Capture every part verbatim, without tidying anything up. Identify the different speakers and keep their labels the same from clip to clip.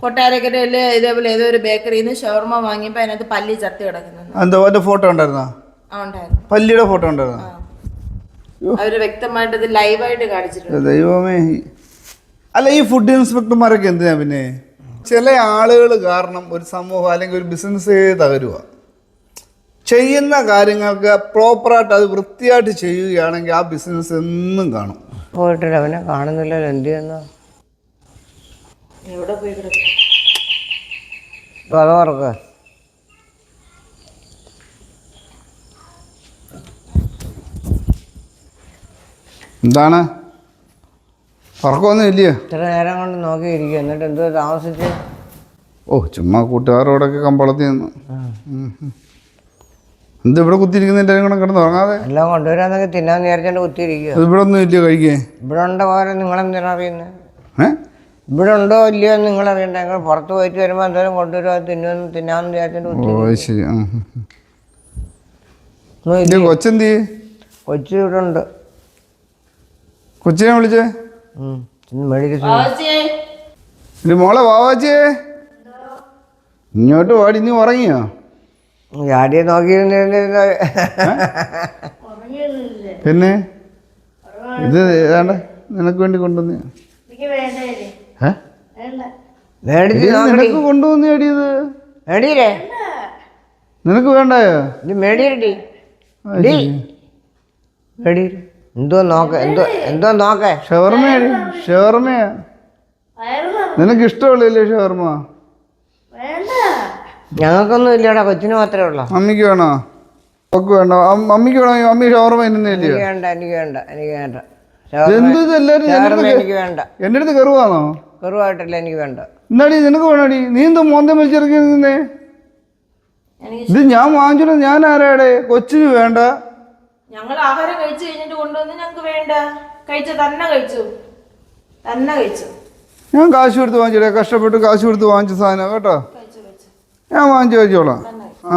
Speaker 1: കൊട്ടാരക്കരയില് ഇതേപോലെ ഏതോ ഒരു ബേക്കറിയിൽ നിന്ന് ഷവർമ വാങ്ങിയപ്പോ അതിനകത്ത് പല്ലി ചത്തി കിടക്കുന്നു.
Speaker 2: എന്താ ഫോട്ടോ ഉണ്ടായിരുന്നോ? പല്ലിയുടെ ഫോട്ടോ ഉണ്ടായിരുന്നോ?
Speaker 1: അവര് വ്യക്തമായിട്ട് ഇത് ലൈവായിട്ട് കാണിച്ചിട്ടുണ്ട്.
Speaker 2: ദൈവമേ. അല്ല, ഈ ഫുഡ് ഇൻസ്പെക്ടർമാരൊക്കെ എന്തിനാ പിന്നെ? ചില ആളുകൾ കാരണം ഒരു സമൂഹം അല്ലെങ്കിൽ ഒരു ബിസിനസ് തകരുക. ചെയ്യുന്ന കാര്യങ്ങൾക്ക് പ്രോപ്പറായിട്ട് അത് വൃത്തിയായിട്ട് ചെയ്യുകയാണെങ്കിൽ ആ ബിസിനസ് എന്നും കാണും.
Speaker 3: പോയിട്ടില്ല, അവനെ കാണുന്നില്ലല്ലോ. എന്ത് ചെയ്യുന്ന
Speaker 1: എവിടെ പോയി
Speaker 3: അതോർക്ക്
Speaker 2: എന്താണ് പറക്കൊന്നും ഇല്ലയോ?
Speaker 3: ഇത്ര നേരം കൊണ്ട് നോക്കിയിരിക്കും. എന്നിട്ട് എന്തോ താമസിച്ച്?
Speaker 2: ഓ, ചുമ്മാ കൂട്ടുകാരോടൊക്കെ കമ്പളത്തി നിന്ന്. എന്ത് ഇവിടെ കുത്തിയിരിക്കുന്നതിൻ്റെ കൂടെ കിടന്ന് ഉറങ്ങാതെ?
Speaker 3: എല്ലാം കൊണ്ടുവരാന്നൊക്കെ തിന്നാന്ന് വിചാരിച്ചോണ്ട് കുത്തിയിരിക്കുക.
Speaker 2: ഇവിടെ ഒന്നും ഇല്ലയോ കഴിക്കേ?
Speaker 3: ഇവിടെ ഉണ്ടോ പോലെ നിങ്ങളെന്തിനാ അറിയുന്നത്? ഏഹ് ഇവിടെ ഉണ്ടോ ഇല്ലയോ എന്ന് നിങ്ങളറിയണ്ട. നിങ്ങൾ പുറത്ത് പോയിട്ട് വരുമ്പോൾ എന്തായാലും കൊണ്ടുവരുമോ തിന്നുമെന്ന് തിന്നാന്ന് വിചാരിച്ചോണ്ട്.
Speaker 2: ഓ ശരി. കൊച്ചെന്തി?
Speaker 3: കൊച്ചു ഇവിടെ ഉണ്ട്.
Speaker 2: കൊച്ചിനെ വിളിച്ചേ? മോളെ വാവാച്ചിയെ ഇങ്ങോട്ട് പാടി. നീ ഉറങ്ങിയോ?
Speaker 3: ചാടിയെ നോക്കിയിരുന്ന
Speaker 2: പിന്നെ ഇത് ഏതാണ്ട് നിനക്ക് വേണ്ടി കൊണ്ടുവന്ന നിനക്ക് കൊണ്ടുവന്ന അടിയത്
Speaker 3: മേടിയില്ലേ?
Speaker 2: നിനക്ക് വേണ്ടായോ?
Speaker 3: ഇത് മേടിയടി മേടി. എന്തോ നോക്ക എന്തോ എന്തോ നോക്കേ.
Speaker 2: ഷവർമയാണ്. ഷവർമയാ നിനക്ക് ഇഷ്ടമുള്ളല്ലേ ഷവർമ?
Speaker 3: ഞങ്ങൾക്കൊന്നും ഇല്ലടാ, കൊച്ചിന് മാത്രമേ ഉള്ളൂ.
Speaker 2: മമ്മിക്ക് വേണോ? ഒക്കെ വേണോ? മമ്മിക്ക് വേണോ? മമ്മി ഷവർമ തിന്നുന്നില്ലേ?
Speaker 3: വേണ്ട, എനിക്ക് വേണ്ട, എനിക്ക് വേണ്ട.
Speaker 2: എന്ത് എല്ലാരും
Speaker 3: എനിക്ക് വേണ്ട.
Speaker 2: എന്റെ അടുത്ത് കെറുവാണോ?
Speaker 3: കെറുവായിട്ടില്ല, എനിക്ക് വേണ്ട.
Speaker 2: എന്നാടി നിനക്ക് വേണോടി? നീ എന്തോ മോന്തം വലിച്ചിറക്കി നിന്നേ? ഇത് ഞാൻ വാങ്ങിച്ചോ. ഞാൻ ആരാടെ? കൊച്ചിന് വേണ്ട.
Speaker 1: ഞങ്ങൾ ആഹാരം കഴിച്ചു കഴിഞ്ഞിട്ട് കൊണ്ടുവന്ന് ഞങ്ങൾക്ക് വേണ്ട. കഴിച്ചു തന്നെ കഴിച്ചു തന്നെ കഴിച്ചു.
Speaker 2: ഞാൻ കാശ് കൊടുത്ത് വാങ്ങിച്ചോളെ. കഷ്ടപ്പെട്ട് കാശ് കൊടുത്ത് വാങ്ങിച്ച സാധനം കേട്ടോ. ഞാൻ വാങ്ങിച്ചു കഴിച്ചോളാം. ആ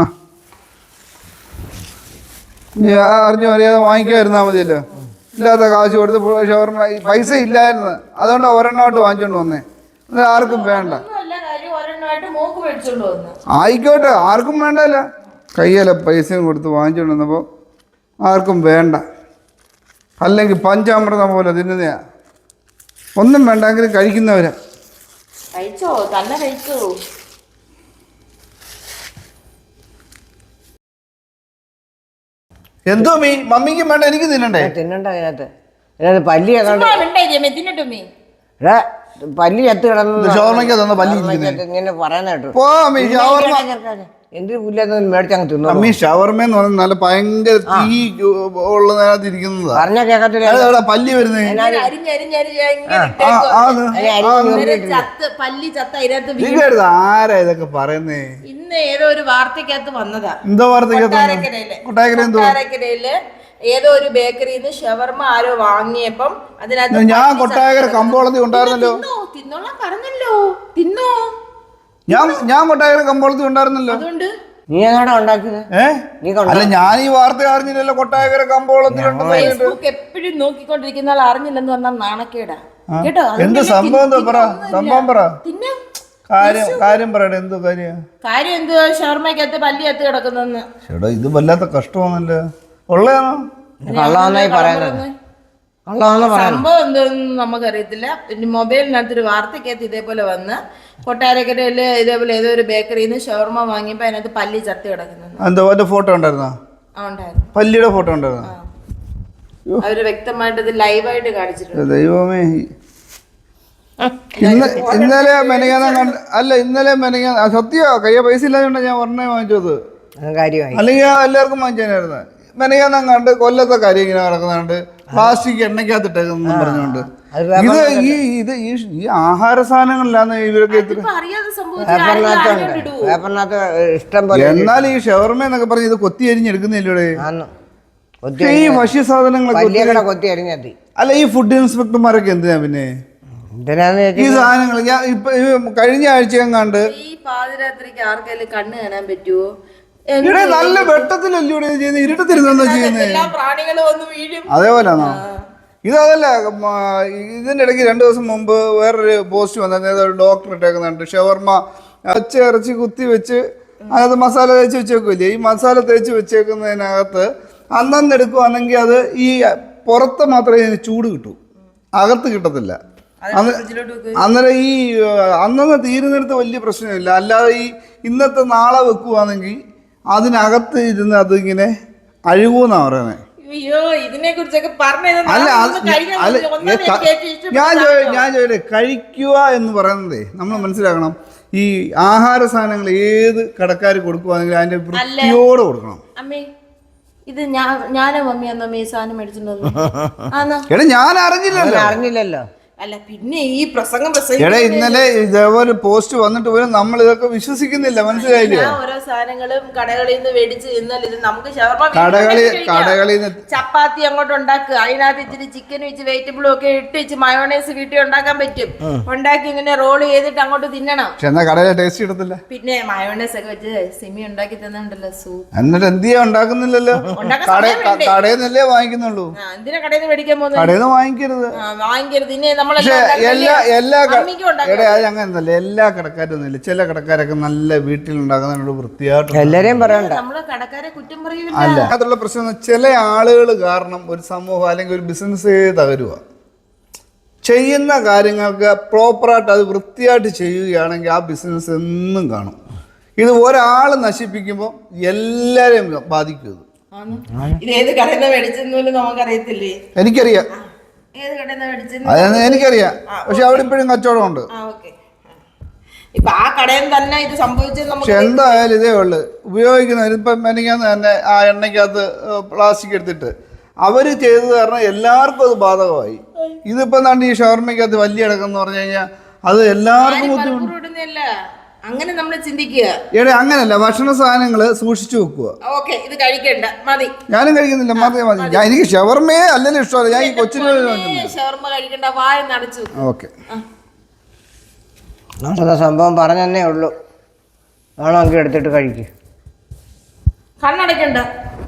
Speaker 2: ഞാൻ അറിഞ്ഞു അറിയാതെ വാങ്ങിക്കാതിരുന്നാ മതിയല്ലോ. ഇല്ലാത്ത കാശ് കൊടുത്ത് ഷവർമ പൈസ ഇല്ലായിരുന്നു, അതുകൊണ്ട് ഒരെണ്ണമായിട്ട് വാങ്ങിച്ചോണ്ട് വന്നേ. അത് ആർക്കും വേണ്ട. ആയിക്കോട്ടെ, ആർക്കും വേണ്ടല്ല. കയ്യല്ല പൈസയും കൊടുത്ത് വാങ്ങിച്ചോണ്ട് വന്നപ്പോൾ ആർക്കും വേണ്ട. അല്ലെങ്കിൽ പഞ്ചാമൃതം പോലെ തിന്നുന്നയാ. ഒന്നും വേണ്ടെങ്കിലും കഴിക്കുന്നവരാ.
Speaker 1: കഴിച്ചോ തന്നെ കഴിച്ചോ.
Speaker 2: എന്തോ മീ മമ്മിക്കും വേണ്ട, എനിക്ക് തിന്നണ്ടേ?
Speaker 3: തിന്നണ്ട. അതിനകത്ത് ഇതിനകത്ത് പല്ലി പല്ലി ചത്ത് കിടന്നു.
Speaker 2: ഷവർമയ്ക്ക് തന്ന പല്ലി
Speaker 3: ഇങ്ങനെ പറയുന്ന കേട്ടു. എന്തൊരു പുല്ലാന്ന് മേടിച്ചങ്ങ് തിന്നു.
Speaker 2: അമ്മീ ഷവർമ എന്ന് പറഞ്ഞാൽ നല്ല ഭയങ്കര തീ ഉള്ളതിനകത്ത് ഇരിക്കുന്നതാ.
Speaker 3: പറഞ്ഞ കേക്കത്തില്ല.
Speaker 2: പല്ലി വരുന്നേ ആരാ ഇതൊക്കെ പറയുന്നേ?
Speaker 1: ഇന്ന് ഏതോ ഒരു വാർത്തക്കകത്ത് വന്നതാ.
Speaker 2: എന്തോ വാർത്തക്കകത്ത്?
Speaker 1: കൊട്ടാരക്കരയില് ഏതോ ഒരു ബേക്കറിയിൽ നിന്ന് ഷവർമ ആരോ വാങ്ങിയപ്പം അതിനകത്ത്
Speaker 2: ഞാൻ കൊട്ടാരക്കര കമ്പോളത്തിൽ ഉണ്ടായിരുന്നല്ലോ.
Speaker 1: തിന്നോളാം പറഞ്ഞല്ലോ. തിന്നോ?
Speaker 2: ഞാൻ ഞാൻ കൊട്ടാരക്കര കമ്പോളത്തിൽ ഉണ്ടായിരുന്നല്ലോ.
Speaker 1: അതുകൊണ്ട്
Speaker 3: നീ എങ്ങാടാ ഉണ്ടാക്കിയത്?
Speaker 2: അല്ല, ഞാൻ ഈ വാർത്ത അറിഞ്ഞില്ലല്ലോ. കൊട്ടാരക്കര കമ്പോളത്തിലുണ്ട്.
Speaker 1: ഫേസ്ബുക്ക് എപ്പോഴും നോക്കിക്കൊണ്ടിരിക്കുന്ന ആൾ അറിഞ്ഞില്ലെന്ന് പറഞ്ഞാൽ നാണക്കേടാ കേട്ടോ.
Speaker 2: എന്ത് സംഭവം? പറ സംഭവം പറ. കാര്യം കാര്യം പറയട്ടെ. എന്തോ കാര്യം?
Speaker 1: കാര്യം എന്തോ ഷവർമയ്ക്കകത്ത് പല്ലി കത്ത് കിടക്കുന്നെന്ന്.
Speaker 2: ചേട്ടാ, ഇത് വല്ലാത്ത കഷ്ടമാണല്ലോ. ഉള്ളതാണോ?
Speaker 3: കള്ളാന്നായി പറയുന്നത്.
Speaker 1: സംഭവം എന്തോന്നും നമുക്കറിയത്തില്ല. പിന്നെ മൊബൈലിനകത്തൊരു വാർത്തക്കകത്ത് ഇതേപോലെ വന്ന് കൊട്ടാരക്കരയില് ഇതേപോലെ ഏതോ ഒരു ബേക്കറിയിൽ നിന്ന് ഷവർമ വാങ്ങിയപ്പോ അതിനകത്ത് പല്ലി ചത്തി കിടക്കുന്നു.
Speaker 2: എന്തോ ഫോട്ടോ ഉണ്ടായിരുന്നോ? പല്ലിയുടെ ഫോട്ടോ ഉണ്ടായിരുന്നോ?
Speaker 1: അവര് വ്യക്തമായിട്ട് ഇത് ലൈവായിട്ട് കാണിച്ചിട്ടുണ്ട്.
Speaker 2: ദൈവമേ. ഇന്നലെ മെനങ്ങാൻ കണ്ട് അല്ല ഇന്നലെ മെനങ്ങാൻ സത്യോ കയ്യ പൈസ ഇല്ലാതെ ഞാൻ ഒരെണ്ണേ വാങ്ങിച്ചത്. അല്ലെങ്കിൽ എല്ലാവർക്കും വാങ്ങിച്ചായിരുന്നു. മെനങ്ങാൻ കണ്ട് കൊല്ലത്തെ കാര്യം ഇങ്ങനെ നടക്കുന്നുണ്ട്. പ്ലാസ്റ്റിക് എണ്ണയ്ക്കകത്തിട്ടേക്കെന്നും പറഞ്ഞുകൊണ്ട് ഇത് ഈ ഇത് ഈ ആഹാര സാധനങ്ങളിലാണ് ഇവരൊക്കെ. എന്നാൽ ഈ ഷവർമ എന്നൊക്കെ പറഞ്ഞ് ഇത് കൊത്തി അരിഞ്ഞെടുക്കുന്നില്ലേ ഈ ഭക്ഷ്യ സാധനങ്ങളൊക്കെ? അല്ല, ഈ ഫുഡ് ഇൻസ്പെക്ടർമാരൊക്കെ എന്തിനാ പിന്നെ ഈ സാധനങ്ങൾ? ഞാൻ ഇപ്പൊ കഴിഞ്ഞ ആഴ്ച കണ്ട്
Speaker 1: ഈ പാതിരാത്രിക്ക് ആർക്കെങ്കിലും കണ്ണ് കാണാൻ പറ്റുമോ?
Speaker 2: ഇവിടെ നല്ല വെട്ടത്തിലല്ലേ ചെയ്യുന്നത്? ഇരുട്ടത്തിരുന്നോ ചെയ്യുന്നത്? അതേപോലെയാണോ? ഇതല്ല ഇതിൻ്റെ ഇടയ്ക്ക് രണ്ട് ദിവസം മുമ്പ് വേറൊരു പോസ്റ്റ് വന്നത് ഒരു ഡോക്ടർ ഇട്ടേക്കുന്നുണ്ട് ഷവർമ്മ പച്ച ഇറച്ചി കുത്തി വെച്ച് അതിനകത്ത് മസാല തേച്ച് വെച്ചേക്കില്ലേ ഈ മസാല തേച്ച് വെച്ചേക്കുന്നതിനകത്ത് അന്നന്ന് എടുക്കുവാണെങ്കിൽ അത് ഈ പുറത്ത് മാത്രമേ ഇതിന് ചൂട് കിട്ടൂ, അകത്ത് കിട്ടത്തില്ല. അന്നേരം ഈ അന്നന്ന് തീരുന്നിടത്ത് വലിയ പ്രശ്നമില്ല. അല്ലാതെ ഈ ഇന്നത്തെ നാളെ വെക്കുവാണെങ്കിൽ അതിനകത്ത് ഇരുന്ന് അതിങ്ങനെ അഴുകൂന്നാ പറയുന്നത്. അല്ല അല്ല ഞാൻ ഞാൻ ചോദിക്കട്ടെ, കഴിക്കുക എന്ന് പറയുന്നതേ നമ്മൾ മനസ്സിലാക്കണം. ഈ ആഹാര സാധനങ്ങൾ ഏത് കടക്കാർ കൊടുക്കുവാണെങ്കിൽ അതിന്റെ വൃത്തിയോടെ കൊടുക്കണം.
Speaker 1: ഇത് ഞാനോ മമ്മിയാന്നോ ഈ സാധനം മേടിച്ചിട്ടുണ്ടോ?
Speaker 2: എടാ ഞാൻ അറിഞ്ഞില്ലല്ലോ
Speaker 3: അറിഞ്ഞില്ലല്ലോ
Speaker 1: അല്ല പിന്നെ ഈ പ്രസംഗം
Speaker 2: എടാ ഇന്നലെ ഇതേപോലെ പോസ്റ്റ് വന്നിട്ട് പോലും നമ്മൾ ഇതൊക്കെ വിശ്വസിക്കുന്നില്ല, മനസ്സിലായില്ലേ?
Speaker 1: ഓരോ സാധനങ്ങളും കടകളിൽ നിന്ന് മേടിച്ച് തിന്നാൽ ഇത് നമുക്ക്
Speaker 2: കടകളി കടകളിൽ നിന്ന്
Speaker 1: ചപ്പാത്തി അങ്ങോട്ട് ഉണ്ടാക്കുക, അതിനകത്ത് ഇച്ചിരി ചിക്കൻ വെച്ച് വെജിറ്റബിളും ഒക്കെ ഇട്ട് വെച്ച് മയോണൈസ് വീട്ടിൽ ഉണ്ടാക്കാൻ പറ്റും. ഉണ്ടാക്കി ഇങ്ങനെ റോൾ ചെയ്തിട്ട് അങ്ങോട്ട് തിന്നണം.
Speaker 2: പക്ഷെ എന്നാ കടയിലെ ടേസ്റ്റ് കിട്ടത്തില്ല.
Speaker 1: പിന്നെ മയോണൈസ് ഒക്കെ വെച്ച് സിമി ഉണ്ടാക്കി തന്നിട്ടുണ്ടല്ലോ സൂപ്പ്.
Speaker 2: എന്നിട്ട് എന്ത് ചെയ്യാ ഉണ്ടാക്കുന്നില്ലല്ലോ, കടയിൽ നിന്നല്ലേ വാങ്ങിക്കുന്നുള്ളൂ.
Speaker 1: എന്തിനാ കടയിൽ നിന്ന് മേടിക്കാൻ പോകുന്നത്?
Speaker 2: കടയിൽ നിന്ന് വാങ്ങിക്കരുത്
Speaker 1: വാങ്ങിക്കരുത് ഇനി
Speaker 2: പക്ഷെ എല്ലാ എല്ലാ എടാ അത് അങ്ങനല്ല, എല്ലാ കടക്കാരൊന്നുമില്ല. ചില കടക്കാരൊക്കെ നല്ല വീട്ടിലുണ്ടാക്കുന്നതിനോട് വൃത്തിയായിട്ട്
Speaker 3: എല്ലാരെയും പറയണ്ട.
Speaker 1: നമ്മള് കടക്കാരെ കുറ്റം പറയൂല.
Speaker 2: അല്ല അതുള്ള പ്രശ്നം ചില ആളുകൾ കാരണം ഒരു സമൂഹം അല്ലെങ്കിൽ ഒരു ബിസിനസ് തകരുക. ചെയ്യുന്ന കാര്യങ്ങൾക്ക് പ്രോപ്പറായിട്ട് അത് വൃത്തിയായിട്ട് ചെയ്യുകയാണെങ്കിൽ ആ ബിസിനസ് എന്നും കാണും. ഇത് ഒരാൾ നശിപ്പിക്കുമ്പോൾ എല്ലാരെയും ബാധിക്കും.
Speaker 1: ഇത് ഏത് കടയിൽ നിന്ന് മേടിച്ചെന്ന് നമുക്കറിയത്തില്ലേ?
Speaker 2: എനിക്കറിയാം, അതെന്ന് എനിക്കറിയാം. പക്ഷെ അവിടെ ഇപ്പോഴും കച്ചവടം ഉണ്ട്. പക്ഷെ എന്തായാലും ഇതേ ഉള്ളു ഉപയോഗിക്കുന്ന. ഇപ്പം എനിക്കാന്ന് തന്നെ ആ എണ്ണയ്ക്കകത്ത് പ്ലാസ്റ്റിക് എടുത്തിട്ട് അവര് ചെയ്തത് കാരണം എല്ലാവർക്കും അത് ബാധകമായി. ഇതിപ്പോ എന്താണ്ട് ഈ ഷവർമ്മയ്ക്കകത്ത് വലിയ അടക്കം പറഞ്ഞു കഴിഞ്ഞാൽ അത് എല്ലാവർക്കും ബുദ്ധിമുട്ട്.
Speaker 1: അങ്ങനെ നമ്മൾ ചിന്തിക്കുക.
Speaker 2: എടേ അങ്ങനല്ല, ഭക്ഷണ സാധനങ്ങള് സൂക്ഷിച്ചു വെക്കുക.
Speaker 1: ഇത് കഴിക്കണ്ട, മതി.
Speaker 2: ഞാനും കഴിക്കുന്നില്ല, മതി മതി. ഞാൻ എനിക്ക് ഷവർമ്മയെ അല്ലല്ലോ ഇഷ്ടമല്ല. ഞാൻ ഈ കൊച്ചിന്
Speaker 1: ഷവർമ്മ കഴിക്കണ്ട, വായ നടച്ചു.
Speaker 2: ഓക്കെ
Speaker 3: സംഭവം പറഞ്ഞതന്നെ ഉള്ളൂ. വേണമെങ്കിൽ എടുത്തിട്ട് കഴിക്കും.
Speaker 1: കണ്ണടക്കണ്ട.